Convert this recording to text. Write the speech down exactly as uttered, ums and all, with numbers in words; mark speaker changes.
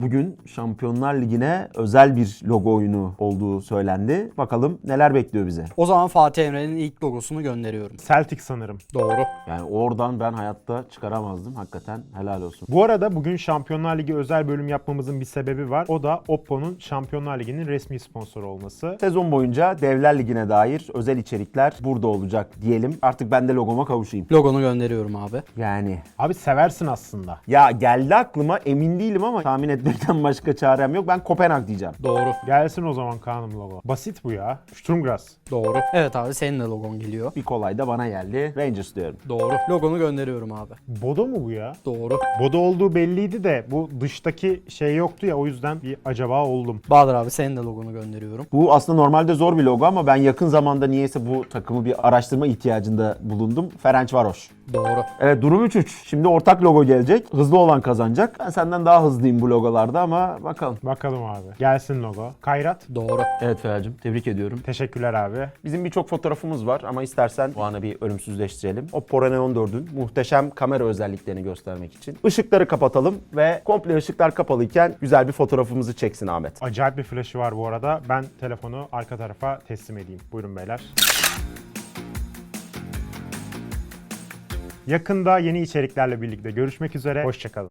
Speaker 1: Bugün Şampiyonlar Ligi'ne özel bir logo oyunu olduğu söylendi. Bakalım neler bekliyor bize.
Speaker 2: O zaman Fatih Emre'nin ilk logosunu gönderiyorum.
Speaker 3: Celtic sanırım.
Speaker 2: Doğru.
Speaker 1: Yani oradan ben hayatta çıkaramazdım. Hakikaten helal olsun.
Speaker 3: Bu arada bugün Şampiyonlar Ligi özel bölüm yapmamızın bir sebebi var. O da Oppo'nun Şampiyonlar Ligi'nin resmi sponsoru olması.
Speaker 1: Sezon boyunca Devler Ligi'ne dair özel içerikler burada olacak diyelim. Artık ben de logoma kavuşayım.
Speaker 2: Logonu gönderiyorum abi.
Speaker 1: Yani
Speaker 3: Abi seversin aslında.
Speaker 1: ya geldi aklıma, emin değilim ama tahmin etmekten başka çarem yok. Ben Kopenhag diyeceğim.
Speaker 2: Doğru.
Speaker 3: Gelsin o zaman Kaan'ım logo. Basit bu ya. Sturmgras.
Speaker 2: Doğru. Evet abi senin de logon geliyor.
Speaker 1: Bir kolay da bana geldi. Rangers diyorum.
Speaker 2: Doğru. Logonu gönderiyorum abi.
Speaker 3: Bodo mu bu ya?
Speaker 2: Doğru.
Speaker 3: Bodo olduğu belliydi de bu dıştaki şey yoktu ya, o yüzden bir acaba oldum.
Speaker 2: Bahadır abi senin de logonu gönderiyorum.
Speaker 1: Bu aslında normalde zor bir logo ama ben yakın zamanda niyeyse bu takımı bir araştırma ihtiyacında bulundum. Ferencvaros.
Speaker 2: Doğru.
Speaker 1: Evet, durum üç üç. Şimdi ortak logo gelecek. Hızlı olan kazanacak. Ben senden daha hızlıyım bu logolarda ama bakalım.
Speaker 3: Bakalım abi. Gelsin logo. Kayrat.
Speaker 2: Doğru.
Speaker 1: Evet Ferhat'cığım, tebrik ediyorum.
Speaker 3: Teşekkürler abi.
Speaker 1: Bizim birçok fotoğrafımız var ama istersen o anı bir ölümsüzleştirelim. Oppo Reno on dördün muhteşem kamera özelliklerini göstermek için. Işıkları kapatalım ve komple ışıklar kapalıyken güzel bir fotoğrafımızı çeksin Ahmet.
Speaker 3: Acayip bir flaşı var bu arada. Ben telefonu arka tarafa teslim edeyim. Buyurun beyler. Yakında yeni içeriklerle birlikte görüşmek üzere. Hoşça kalın.